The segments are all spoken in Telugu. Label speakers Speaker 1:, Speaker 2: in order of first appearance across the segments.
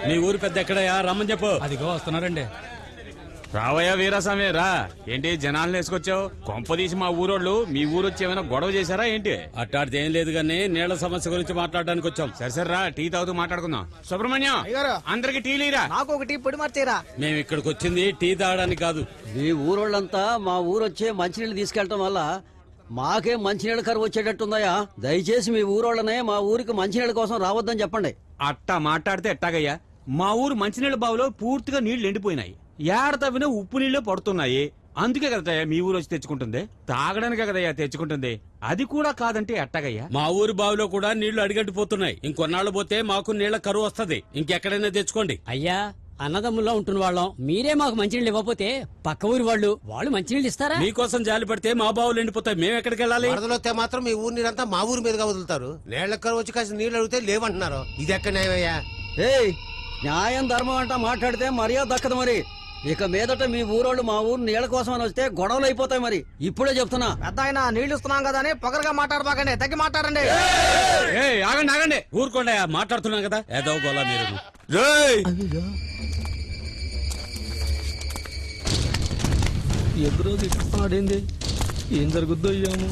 Speaker 1: మీ ఊరు పెద్ద ఎక్కడయా రమ్మని చెప్పు.
Speaker 2: అదిగో వస్తున్నారండి.
Speaker 1: రావయ్యా వీరాస్వామి రా. ఏంటి జనాలను వేసుకొచ్చావు? కొంపదీసి మా ఊరోళ్ళు మీ ఊరు వచ్చి ఏమైనా గొడవ చేశారా ఏంటి? అట్టాడితే ఏం లేదు గానీ నీళ్ల సమస్య గురించి మాట్లాడడానికి వచ్చాం. సరే సరే రా, టీ తాగుతూ మాట్లాడుకుందాం. సుబ్రహ్మణ్యం అందరికి టీ లీరా.
Speaker 3: నాకు ఒక టీ పొడి మార్చేరా.
Speaker 1: మేము ఇక్కడికి వచ్చింది టీ తాగడానికి కాదు.
Speaker 4: మీ ఊరోళ్ళంతా మా ఊరొచ్చే మంచినీళ్ళు తీసుకెళ్లటం వల్ల మాకే మంచినీళ్ళ కరువు వచ్చేటట్టుందయ్యా. దయచేసి మీ ఊరోళ్ళనే మా ఊరికి మంచినీళ్ళ కోసం రావద్దని చెప్పండి.
Speaker 1: అట్టా మాట్లాడితే ఎట్టాగయ్యా? మా ఊరు మంచినీళ్ళ బావిలో పూర్తిగా నీళ్లు ఎండిపోయినాయి. ఏడ తవ్విన ఉప్పు నీళ్లు పడుతున్నాయి. అందుకే కదయ్యా మీ ఊరు వచ్చి తెచ్చుకుంటుంది. తాగడానికే కదయ్యా తెచ్చుకుంటుంది. అది కూడా కాదంటే ఎట్టాగయ్యా? మా ఊరి బావిలో కూడా నీళ్లు అడిగట్టిపోతున్నాయి. ఇంకొన్నాళ్ళు పోతే మాకు నీళ్ల కరువు వస్తది. ఇంకెక్కడైనా తెచ్చుకోండి.
Speaker 5: అయ్యా, అన్నదమ్ముల్లో ఉంటున్న వాళ్ళం. మీరే మాకు మంచినీళ్ళు ఇవ్వకపోతే పక్క ఊరి వాళ్ళు మంచినీళ్ళు ఇస్తారా?
Speaker 1: మీకోసం జాలి పడితే మా బావులు ఎండిపోతాయి. మేము ఎక్కడికి వెళ్ళాలి?
Speaker 6: వరదలొస్తే మాత్రం మీ ఊరి నీరంతా మా ఊరి మీదుగా వదులుతారు. నీళ్ల కరువు వచ్చి కాసిన నీళ్లు అడిగితే లేవంటున్నారు. ఇది ఎక్కడ న్యాయమయ్యా?
Speaker 4: ఏయ్, న్యాయం ధర్మం అంటా మాట్లాడితే మర్యాద దక్కదు. మరి ఇక మీదట మీ ఊరోళ్ళు మా ఊరు నీళ్ల కోసం అని వస్తే గొడవలు అయిపోతాయి. మరి ఇప్పుడే చెప్తున్నా.
Speaker 3: పెద్ద ఆయన నీళ్లు ఇస్తున్నాం కదా అని పొగరగా మాట్లాడబాకండి. తగ్గి మాట్లాడండి.
Speaker 1: ఆగండి ఆగండి, ఊరుకోండి. మాట్లాడుతున్నాం కదా ఏదో గోలా మీరు.
Speaker 3: ఎదురు ఆడింది. ఏం జరుగుద్దో ఏమో.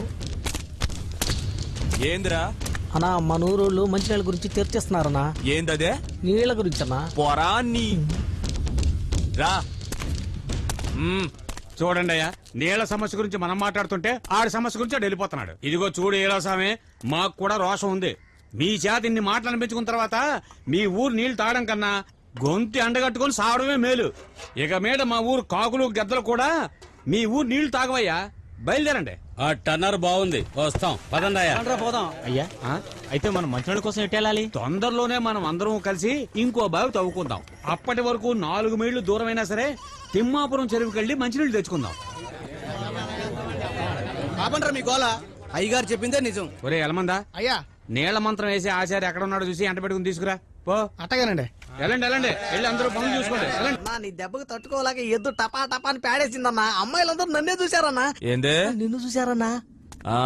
Speaker 7: ఏందిరా
Speaker 3: అన్నా, మన ఊరోళ్ళు మంచినీళ్ళ గురించి చర్చిస్తున్నారన్నా.
Speaker 7: ఏందదే?
Speaker 3: నీళ్ల గురించి అన్నా.
Speaker 7: పొరా నీ రా.
Speaker 1: చూడండి అయ్యా, నీళ్ల సమస్య గురించి మనం మాట్లాడుతుంటే ఆడి సమస్య గురించి ఆడు వెళ్ళిపోతున్నాడు. ఇదిగో చూడు ఈరాస్వామి, మాకు కూడా రోషం ఉంది. మీ చేత ఇన్ని మాటలు అనిపించుకున్న తర్వాత మీ ఊరు నీళ్లు తాగడం కన్నా గొంతి అండగట్టుకుని సావడమే మేలు. ఇక మీద మా ఊరు కాకులు గద్దలు కూడా మీ ఊరు నీళ్లు తాగవయ్యా. బయలుదేరండి. ఆ టన్నర్ బాగుంది, వస్తాం. పదండి అయ్యా.
Speaker 4: పోదాం.
Speaker 7: అయ్యా, అయితే మనం మంచినీళ్ళ కోసం ఎట్టేళ్ళాలి?
Speaker 1: తొందరలోనే మనం అందరం కలిసి ఇంకో బావి తవ్వుకుందాం. అప్పటి వరకు 4 మైళ్ళు దూరమైనా సరే తిమ్మాపురం చెరువుకెళ్ళి మంచినీళ్ళు తెచ్చుకుందాం.
Speaker 2: మీ గోల అయ్యగారు చెప్పిందే నిజం.
Speaker 1: ఒరే ఎలమందా,
Speaker 3: అయ్యా
Speaker 1: నీళ్ల మంత్రం వేసి ఆచార్య ఎక్కడ ఉన్నాడో చూసి ఎంట పెట్టుకుని తీసుకురా పో.
Speaker 3: అట్టగానండి.
Speaker 1: వెళ్ళండి వెళ్ళండి, వెళ్ళి అందరూ పనులు చూసుకోండి.
Speaker 3: నీ దెబ్బకు తట్టుకోలేక ఎద్దు టపా టపా అని పేడేసిందన్నా. అమ్మాయిలందరూ నన్నే చూశారన్నా.
Speaker 7: ఏందే?
Speaker 3: నిన్ను చూశారన్నా.
Speaker 7: ఆ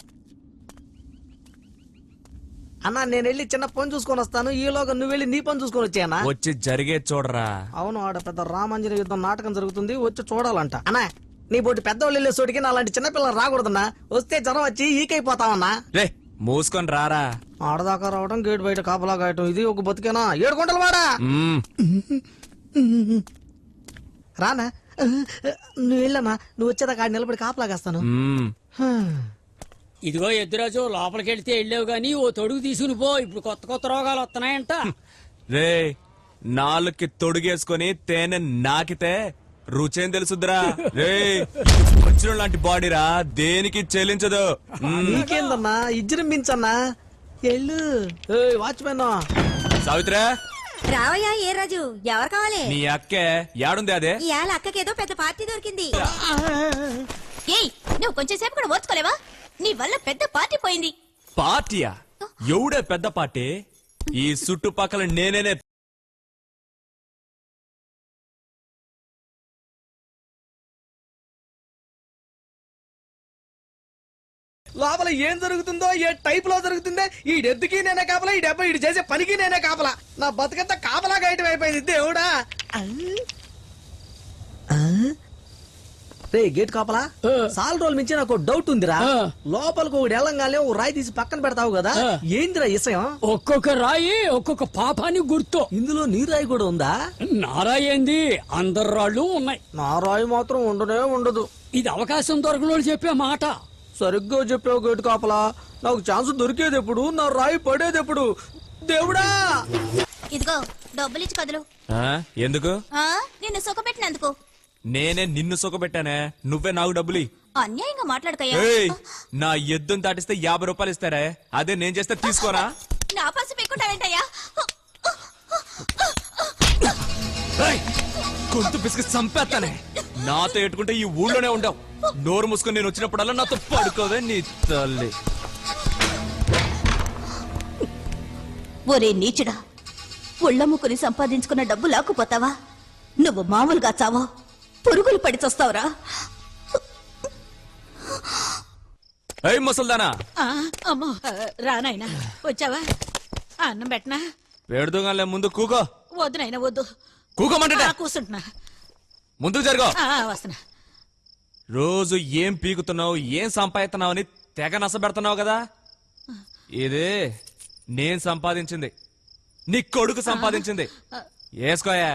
Speaker 3: అన్నా, నేను వెళ్ళి చిన్న పని చూసుకొని వస్తాను. ఈలోగా నువ్వు వెళ్ళి నీ పని చూసుకొని వచ్చాయన్నా.
Speaker 7: వచ్చి జరిగే చూడరా.
Speaker 3: అవును, ఆడ పెద్ద రామాంజన యుద్ధం నాటకం జరుగుతుంది, వచ్చి చూడాలంట. అన్నా, నీ బోటి పెద్దవాళ్ళు వెళ్ళే చోటికి నా అలాంటి చిన్నపిల్లలు రాకూడదన్నా. వస్తే జ్వరం వచ్చి ఈకైపోతావన్నా.
Speaker 7: రే మూసుకొని రారా.
Speaker 3: ఆడదాకా రావడం, గేట్ బయట కాపలా కాయటం, ఇది ఒక బతికేనా? 7 గుంటలు వాడా. రానా, నువ్వు వెళ్ళమ్మా. నువ్వు వచ్చేదాకా ఆడ నిలబడి కాపలా కాస్తాను.
Speaker 5: ఇదిగో ఎద్దురాజు, లోపలికి వెళ్తే వెళ్ళావు గానీ ఓ తొడుగు తీసుకుని పో. ఇప్పుడు కొత్త కొత్త రోగాలు వస్తున్నాయంట.
Speaker 7: రే, నాలుగుకి తొడుగేసుకొని తేనె నాకితే రుచేం తెలుసుద్రా. రే, వచ్చిన లాంటి బాడీరా, దేనికి చెల్లించదు.
Speaker 3: నీకేందన్నా ఇజ్జరించన్నా. ఎల్లు వాచ్మెన్.
Speaker 7: సావిత్రా,
Speaker 8: రావయ్యా. ఏ రాజు, ఎవరు కావాలి?
Speaker 7: నీ అక్కే యాడుంది? అదే
Speaker 8: ఇవాళ అక్కకేదో పెద్ద పార్టీ దొరికింది. ఏయ్, నువ్వు కొంచెం సేపు కూడా ఓర్చుకోలేవా? నీ వల్ల పెద్ద పార్టీ పోయింది.
Speaker 7: పార్టీయా? ఎవడే పెద్ద పార్టీ? ఈ చుట్టుపక్కల నేనేనే.
Speaker 3: లోపల ఏం జరుగుతుందో, ఏ టైప్ లో జరుగుతుందో, ఈ డెద్దుకి నేనే కాపలా, ఈ డెబ్బ ఇటు చేసే పనికి నేనే కాపలా. నా బతుకంతా కాపలా గాయటం అయిపోయింది. దేవుడా. రే గేట్ కాపలా, సాల్ రోజుల మించి నాకు డౌట్ ఉందిరా. లోపలికి ఒకటి వెళ్ళంగానే ఓ రాయి తీసి పక్కన పెడతావు కదా, ఏందిరా ఇసయం?
Speaker 5: ఒక్కొక్క రాయి ఒక్కొక్క పాపానికి గుర్తు.
Speaker 3: ఇందులో నీ రాయి కూడా ఉందా?
Speaker 5: నారాయి ఏంది, అందరు రాళ్ళు ఉన్నాయి.
Speaker 3: నా రాయి మాత్రం ఉండనే ఉండదు.
Speaker 5: ఇది అవకాశం దొరకనోళ్ళు చెప్పే మాట.
Speaker 3: సరిగ్గా చెప్పావు గేటు కాపలా. నాకు ఛాన్స్ దొరికేది ఎప్పుడు, నా రాయి పడేది ఎప్పుడు? దేవుడా.
Speaker 8: ఇదిగో డబ్బులు ఇచ్చి కదులు.
Speaker 7: ఎందుకు?
Speaker 8: నిన్ను సుఖపెట్టినందుకు.
Speaker 7: నేనే నిన్ను సుఖపెట్టానే, నువ్వే నాకు డబ్బులి.
Speaker 8: అన్యాయంగా మాట్లాడకయ్యా.
Speaker 7: నా ఎద్దును దాటిస్తే 50 రూపాయలు ఇస్తారే, అదే నేను చేస్తే తీసుకోరా.
Speaker 8: నా పసి పెట్టుకుంటావేంటయ్యా?
Speaker 7: గొంతు పిసికి చంపేస్తానే. నాతో ఎట్టుకుంటే ఈ ఊళ్ళోనే ఉండవు. నోరు మూసుకొని నేను వచ్చినప్పుడల్లా నాతో పడుకోవే నీ తల్లి.
Speaker 8: ఒరే నీచుడా, ఒళ్ళమ్ముకుని సంపాదించుకున్న డబ్బు లాక్కుపోతావా? నువ్వు మామూలుగా చావో, పురుగులు పడి చస్తావురా.
Speaker 7: ఏయ్ ముసల్దానా.
Speaker 9: అమ్మో, రానాయనా వచ్చావా? అన్నం పెట్టనా?
Speaker 7: పెడుదోగాలే, ముందు కూకో.
Speaker 8: వద్దు నాయన వద్దు
Speaker 7: కూకోమంటే
Speaker 8: కూర్చుంటున్నా
Speaker 7: ముందుకు జరుగు.
Speaker 8: వస్తున్నా.
Speaker 7: రోజు ఏం పీకుతున్నావు ఏం సంపాదిస్తున్నావు అని తెగ నసబెడుతున్నావు కదా. ఇది నేను సంపాదించింది, నీ కొడుకు సంపాదించింది. వేసుకోయా.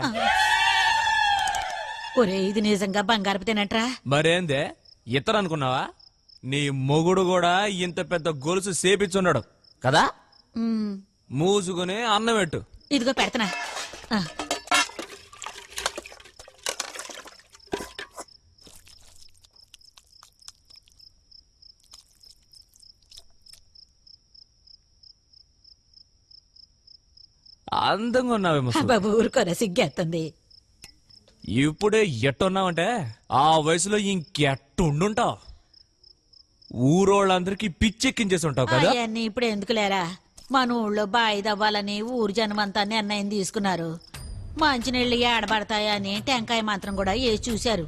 Speaker 8: ఒరే ఇది నిజంగా బంగారపు తినట్రా.
Speaker 7: మరేందే ఇతరు అనుకున్నావా? నీ మొగుడు కూడా ఇంత పెద్ద గొలుసు సేపిచ్చున్నాడు కదా. మూసుకుని అన్నం పెట్టు.
Speaker 8: ఇదిగో పెడతనా.
Speaker 7: అందంగా ఉన్నావేమో.
Speaker 8: బాబు ఊరుకోరా సిగ్గేస్తుంది.
Speaker 7: ఇప్పుడే ఎట్టున్నావంటే ఆ వయసులో ఇంకెట్టుండుంటావు. ఊరోళ్ళందరికీ పిచ్చెక్కించేసి ఉంటావు కదా.
Speaker 8: అవన్నీ ఇప్పుడు ఎందుకు లేరా, మన ఊళ్ళో బాయి దవ్వాలని ఊరు జనమంతా నిర్ణయం తీసుకున్నారు. మంచినీళ్ళు ఏడబడతాయని టెంకాయ మాత్రం కూడా వేసి చూశారు.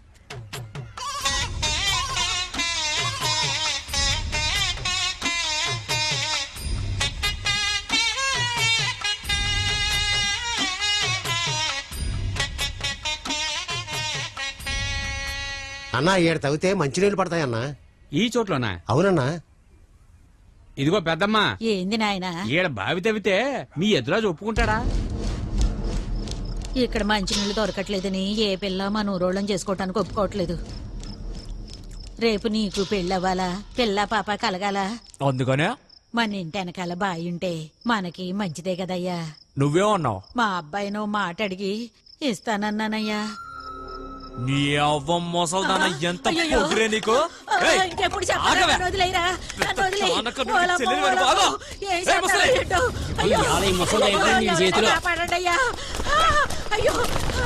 Speaker 6: అన్నా ఏడు తవ్వితే మంచినీళ్ళు పడతాయన్నా.
Speaker 1: ఈ చోట్లోనా?
Speaker 6: అవునన్నా.
Speaker 1: ఇదిగో పెద్దమ్మా,
Speaker 8: ఏంది నాయనా,
Speaker 1: ఈడ బావి తవ్వితే మీ ఎదురాజు ఒప్పుకుంటాడా?
Speaker 8: ఇక్కడ మంచినీళ్ళు దొరకట్లేదని ఏ పిల్ల మన ఊరోళ్ళని చేసుకోవటానికి ఒప్పుకోవట్లేదు. రేపు నీకు పెళ్ళవ్వాలా, పిల్ల పాప కలగాల.
Speaker 7: అందుకనే
Speaker 8: మన ఇంటి వెనకాల బాయి ఉంటే మనకి మంచిదే కదయ్యా.
Speaker 7: నువ్వేమన్నావు?
Speaker 8: మా అబ్బాయినో మాట అడిగి ఇస్తానన్నానయ్యా.
Speaker 7: నీ అవ్వ మొసల్దాన ఎంత
Speaker 8: అయ్యయ్యో.
Speaker 7: పొగిరే నీకు. ఏయ్,
Speaker 8: ఇంకెప్పుడు
Speaker 7: ఆగవే.
Speaker 8: చెప్పాలి, వదిలేయరా, నన్ను వదిలేయ్.
Speaker 7: చానక నువ్వు
Speaker 8: ఓలమ్మ,
Speaker 7: చెల్లెలి వెనుక ఆగు.
Speaker 8: ఓలమ్మ. ఏం
Speaker 7: ఏయ్, ముసలి.
Speaker 8: చేస్తారో ఏంటో. అయ్యో.
Speaker 5: ఇవాళ ఈ ముసలి అయిపోయింది నీ
Speaker 8: ఎవరో
Speaker 5: చేతిలో.
Speaker 8: కాపాడండయ్యా. అయ్యో.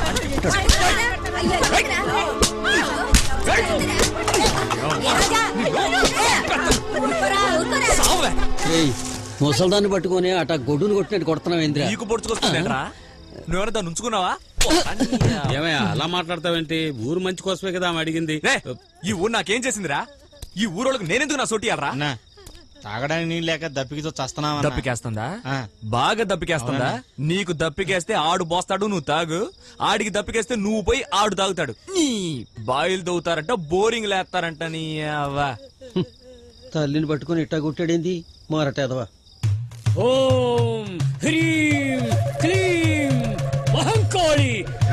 Speaker 7: సావే.
Speaker 4: ఏయ్ ముసల్దాన్ని పట్టుకొని అట గొడ్డును కొట్టినట్టు కొడుతున్నావు ఏంద్రా?
Speaker 7: నీకు పొడుచుకొస్తుందేంట్రా? నువ్వేమైనా దాన్ని ఉంచుకున్నావా?
Speaker 1: ఏమయ్యా అలా మాట్లాడతావేంటి? ఊరు మంచి కోసమే కదా ఆమె అడిగింది.
Speaker 7: రేయ్, ఈ ఊరు నాకేం చేసిందిరా? ఈ ఊరోళ్ళకి నేనెందుకు నా సోటియాలరా?
Speaker 2: అన్నా తాగడానికి నీళ్ళు లేక దప్పికితో చస్తున్నావా?
Speaker 7: దప్పికేస్తుందా? బాగా దప్పికేస్తుందా? నీకు దప్పికేస్తే ఆడు పోస్తాడు, నువ్వు తాగు. ఆడికి దప్పికేస్తే నువ్వు పోయి ఆడు తాగుతాడు. నీ బాయిలు తవ్వుతారంట, బోరింగ్ లేస్తారంట. నీ అవ్వ.
Speaker 4: తల్లిని పట్టుకొని ఇట్టా కొట్టాడేంది మారటేదవా?
Speaker 5: ఓం హ్రీం క్లీం మహంకాళి.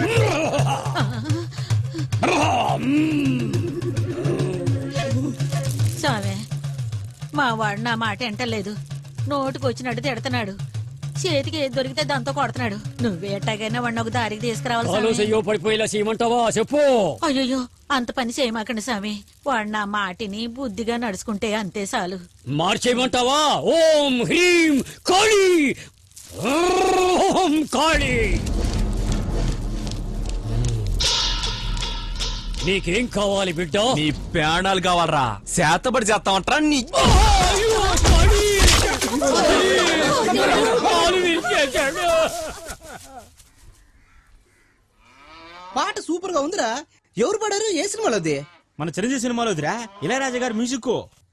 Speaker 8: సామే, మా వాడు నా మాట ఎంటలేదు. నోటికి వచ్చినట్టు తిడుతున్నాడు. చేతికి ఏది దొరికితే దాంతో కొడుతున్నాడు. నువ్వే ఎట్టాగైనా వాడిని ఒక దారికి తీసుకురావాలి
Speaker 5: కాలు
Speaker 8: సామి.
Speaker 5: చెయ్యో పడిపోయేలా చేయమంటావా చెప్పు.
Speaker 8: అయ్యో అంత పని చేయమాకండి స్వామి. వాడు నా మాటిని బుద్ధిగా నడుచుకుంటే అంతే చాలు.
Speaker 5: మార్చేయమంటావా? ఓం హ్రీం కాళి. ఓం కాళి. నీకేం కావాలి బిడ్డ?
Speaker 7: నీ ప్రాణాలు కావాలరా? శాతపడి చేస్తామంటారా? నీ
Speaker 5: అయ్యో, కాళి. కాలు విరిచేశాడు.
Speaker 3: పాట సూపర్ గా ఉందిరా. ఎవరు పాడారు? ఏ సినిమాలో అది?
Speaker 2: మన చిరంజీవి సినిమాలోదిరా, ఇళయరాజా గారి మ్యూజిక్.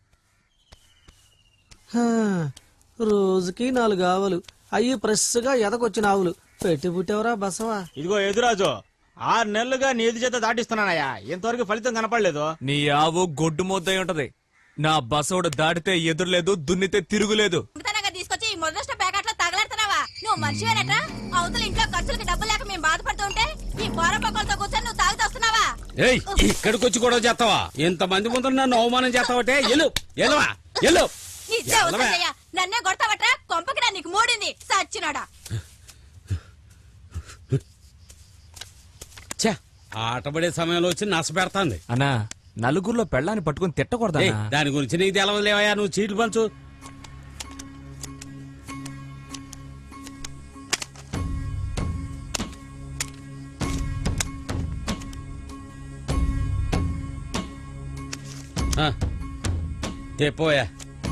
Speaker 3: రోజుకి 4 ఆవులు అయ్యి ఫ్రెష్ గా ఎదకొచ్చిన ఆవులు పెట్టి పుట్టేవరా బసవా.
Speaker 2: ఇదిగో ఎదురాజు, 6 నెలలుగా నీ ఎదు చేత దాటిస్తున్నానయ్యా, ఇంతవరకు ఫలితం కనపడలేదు.
Speaker 7: నీ ఆవు గొడ్డు ముద్దై ఉంటది. నా బసోడు దాటితే ఎదురులేదు, దున్నితే తిరుగులేదు.
Speaker 8: తీసుకొచ్చి ఈ మొదటి ప్యాకెట్ లో తగలెడుతున్నావా? నువ్వు మనిషివేనట్రా? అవతల ఇంట్లో ఖర్చులకి డబ్బు లేక మేము బాధపడుతూ ఉంటే ఈ బోర పక్కలతో కూర్చొని నువ్వు తాగుతూ వస్తున్నావా?
Speaker 1: ఏయ్, ఇక్కడికి వచ్చి గొడవ చేస్తావా? ఇంతమంది ముందు నన్ను అవమానం చేస్తావటే? ఎల్లు ఎల్లువా ఎల్లు.
Speaker 8: ఇచ్చే వస్తుందయ్యా. నన్నే కొడతావట్రా? కొంపకి నా నీకు మూడింది సచ్చినాడా.
Speaker 1: ఛే, ఆటపడే సమయంలో వచ్చి నస పెడతాంది.
Speaker 7: అన్నా, నలుగురిలో పెళ్ళాన్ని పట్టుకుని తిట్టకూడదా?
Speaker 1: ఏయ్, దాని గురించి నీకు తెలవదులేవయ్యా, నువ్వు చీట్లు పంచు. తెపోయా.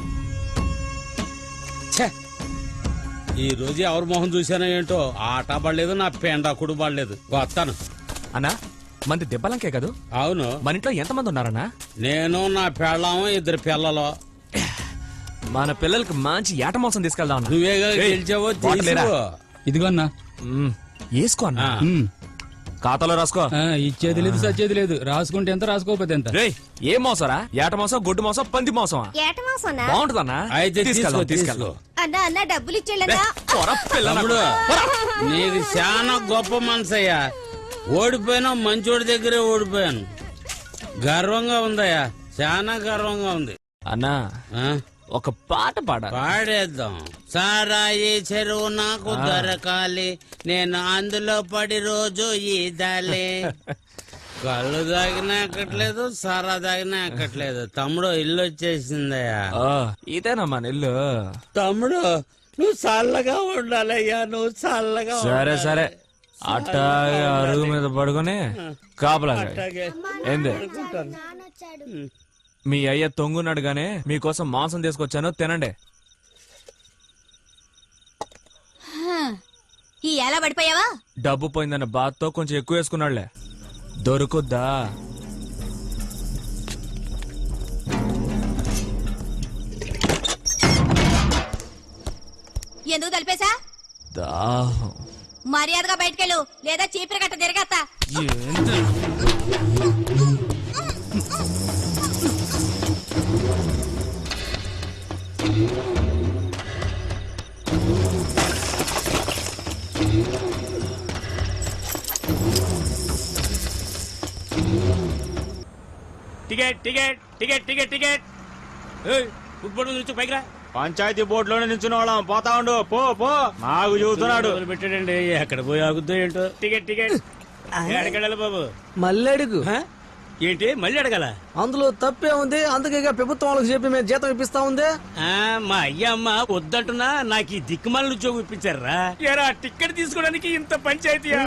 Speaker 1: ఛే, ఈ రోజు ఎవరి మొహం చూసానో ఏంటో, ఆట పడలేదు, నా పెండాకుడు పడలేదు. వస్తాను.
Speaker 7: అన్నా, మంది దెబ్బలంకే కదూ?
Speaker 1: అవును,
Speaker 7: మన ఇంట్లో ఎంతమంది ఉన్నారన్నా?
Speaker 1: నేను, నా పెళ్ళాము, 2 పిల్లలు.
Speaker 7: మన పిల్లలకి మంచి ఏట మాంసం తీసుకెళ్దాం.
Speaker 1: నువ్వేగా గెలిచావో
Speaker 7: వాటర్ లేరా?
Speaker 1: తీసుకో.
Speaker 5: ఇదిగో అన్నా.
Speaker 7: వేసుకో అన్నా ఖాతాలో రాసుకో.
Speaker 5: ఇచ్చేది లేదు సచ్చేది లేదు, రాసుకుంటే ఎంత రాసుకోకపోతే ఎంత.
Speaker 7: రేయ్ ఏం మోసరా? ఏట మోసం, గొడ్డు మోసం, పంది మోసమా?
Speaker 9: ఏటమాసనా
Speaker 7: బాగుంటుందన్నా.
Speaker 1: అయితే
Speaker 7: తీసుకెళ్దాం,
Speaker 1: తీసుకో,
Speaker 7: తీసుకెళ్దాం.
Speaker 9: అన్న అన్న డబ్బులు ఇచ్చేళ్ళన్నా
Speaker 7: పోరా, పిల్ల
Speaker 1: తమ్ముడు
Speaker 7: నాకు. పోరా.
Speaker 1: నీది చాలా గొప్ప మనసయ్యా. ఓడిపోయినా మంచోడి దగ్గరే ఓడిపోయాను. గర్వంగా ఉందయ్యా, చాలా గర్వంగా ఉంది.
Speaker 7: అన్నా
Speaker 1: ఆ?
Speaker 7: ఒక పాట పాడ.
Speaker 1: పాడేద్దాం. సారాయి చెరువు నాకు దొరకాలి, నేను అందులో పడి రోజు ఈదాలి. కళ్ళు తాగినా ఎక్కట్లేదు, సారా తాగినా ఎక్కట్లేదు. తమ్ముడు ఇల్లు వచ్చేసిందయ్యా.
Speaker 7: ఇదేనమ్మా ఇల్లు.
Speaker 1: తమ్ముడు నువ్వు చల్లగా ఉండాలయ్యా, నువ్వు చల్లగా
Speaker 7: సరే
Speaker 1: ఉండాలి.
Speaker 7: సరే, అట్టాగే అరుగు మీద పడుకొని కాపలా కాయ్.
Speaker 1: అట్టాగే.
Speaker 7: ఏంది మీ అయ్య తొంగున్నాడు గానే మీకోసం మాంసం తీసుకొచ్చాను, తినండి.
Speaker 9: ఈ ఎలా పడిపోయావా
Speaker 7: డబ్బు పోయిందన్న బాధతో కొంచెం ఎక్కువ వేసుకున్నాడులే. దొరుకుద్దా?
Speaker 9: ఎందుకు తలిపేశా
Speaker 7: దాహం.
Speaker 9: మర్యాదగా బయటకెళ్ళు లేదా చీపిరి గట్ట తిరగత్తా
Speaker 7: ఏంటి?
Speaker 1: Ticket ticket ticket ticket ticket. Football నుంచి పైకి రా.
Speaker 2: పంచాయతీ బోర్డులోనే నిల్చున్న వాళ్ళం. పోతా ఉండు, పో పో. నాకు చూస్తున్నాడు.
Speaker 1: పెట్టాడండి, ఎక్కడ పోయి ఆగుద్దో ఏంటో. Ticket ticket. ఎక్కడికెళ్ళాలి బాబు?
Speaker 3: మళ్ళీ అడుగు.
Speaker 1: హ? ఏంటి మళ్ళీ అడగాల?
Speaker 3: అందులో తప్పే ఉంది, అందుకే ఇక ప్రభుత్వం వాళ్ళకి చెప్పి మేము జీతం ఇప్పిస్తా ఉంది.
Speaker 1: మా అయ్యమ్మ వద్దంటున్నా నాకు ఈ దిక్కుమాల ఉద్యోగం ఇప్పించారా? ఎరా టికెట్ తీసుకోవడానికి ఇంత పంచాయతీయా?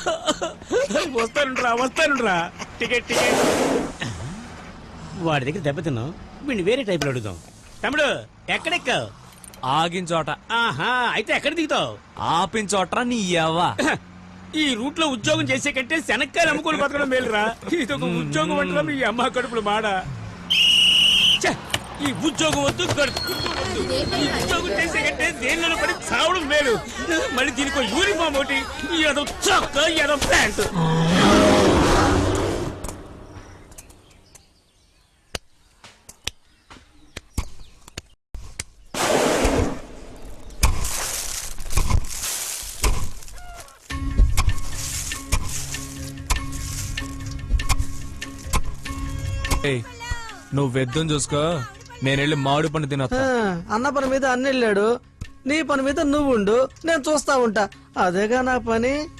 Speaker 1: వస్తానురా. Ticket ticket. వాడి దగ్గర దెబ్బతిన్నావు, వీడిని వేరే టైప్ లో అడుగుదాం. తమ్ముడు ఎక్కడెక్కావు?
Speaker 7: ఆగిన చోట.
Speaker 1: ఆహా, అయితే ఎక్కడ దిగుతావు?
Speaker 7: ఆపిన చోట నీ ఎవ్వ.
Speaker 1: ఈ రూట్ లో ఉద్యోగం చేసే కంటే శనక్కాయలు అమ్ముకొని బతకడం మేలురా. ఇది ఒక ఉద్యోగం అంటున్నా మీ అమ్మ కడుపులు మాడ. ఛ! ఈ ఉద్యోగం వద్దు, వద్దు. ఈ ఉద్యోగం చేసే కంటే దేనిలో పడి చావడం మేలు. మళ్ళీ దీనికి యూనిఫామ్ ఒకటి, ఏదో చొక్క, ఏదో ప్యాంట్.
Speaker 7: ఏయ్, నువ్వు వెద్దుని చూసుకో, నేను వెళ్ళి మామిడి పండు తినొస్తా.
Speaker 3: అన్న పని మీద అన్న వెళ్ళాడు, నీ పని మీద నువ్వు ఉండు, నేను చూస్తా ఉంటా. అదేగా నా పని.